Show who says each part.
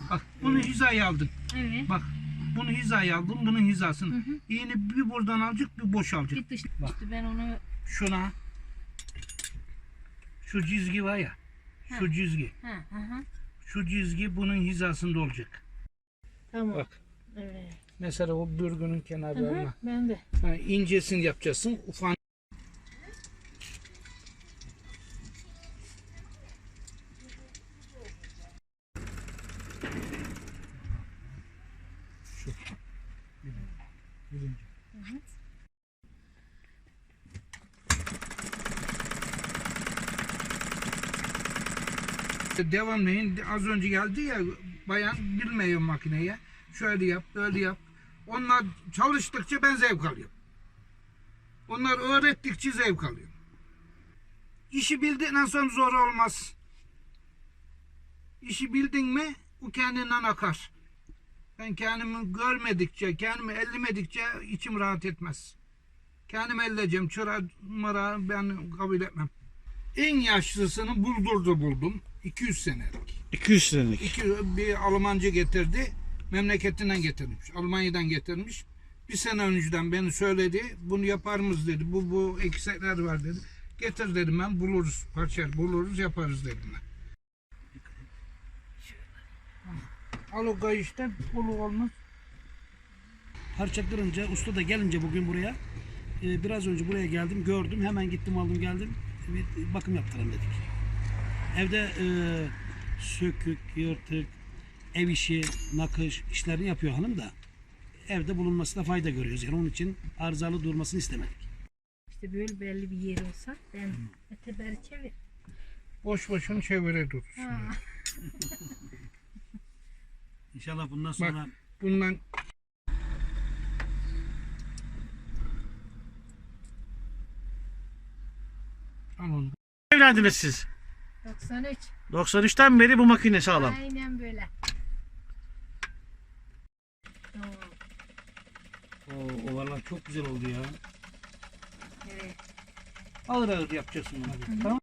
Speaker 1: Bak bunu hizaya aldın.
Speaker 2: Evet.
Speaker 1: Bak bunu hizaya aldım, bunun hizasını. İğne bir buradan alacak, bir boşalacak.
Speaker 2: Bir dış
Speaker 1: Bak.
Speaker 2: işte ben onu
Speaker 1: Şuna, şu çizgi var ya, şu çizgi. Şu çizgi bunun hizasında olacak.
Speaker 2: tamam.
Speaker 1: Bak.
Speaker 2: Evet.
Speaker 1: Mesela o bürgünün kenarlarına.
Speaker 2: Ben de.
Speaker 1: Ha, incesini yapacaksın. Ufak. Şu. Birinci. Devamlayın. Az önce geldi ya bayan bilmiyor makineye. Şöyle yap, böyle yap. Onlar çalıştıkça ben zevk alıyorum. Onlar öğrettikçe zevk alıyorum. İşi bildiğinden sonra zor olmaz. İşi bildin mi o kendinden akar. Ben kendimi görmedikçe, kendimi ellemedikçe içim rahat etmez. Kendimi elleyeceğim. Çıra mıra ben kabul etmem. En yaşlısını buldum. 200 senelik.
Speaker 3: 200 senelik.
Speaker 1: Bir Almancı getirdi. Memleketinden getirmiş. Almanya'dan getirmiş. Bir sene önceden beni söyledi. Bunu yapar mıyız dedi. Bu eksikler var dedi. Getir dedim ben. Buluruz. Parça buluruz yaparız dedim ben. Al o kayıştan bulu olmaz.
Speaker 3: Parça kırınca usta da gelince bugün buraya biraz önce buraya geldim gördüm hemen gittim aldım geldim bir bakım yaptıralım dedik. Evde sökük, yırtık, ev işi, nakış işlerini yapıyor hanım da evde bulunmasına fayda görüyoruz. Yani onun için arızalı durmasını istemedik.
Speaker 2: İşte böyle belli bir yer olsa ben öteberi çevir.
Speaker 1: Boş boşunu çevire durursun.
Speaker 3: İnşallah bundan sonra
Speaker 1: Bundan al onu.
Speaker 3: evlendiniz siz.
Speaker 2: 93.
Speaker 3: 93'ten beri bu makine sağlam.
Speaker 2: Aynen böyle. Tamam.
Speaker 3: O ovalar çok güzel oldu ya.
Speaker 2: Evet.
Speaker 1: Ağır ağır yapacaksın bunu. Tamam.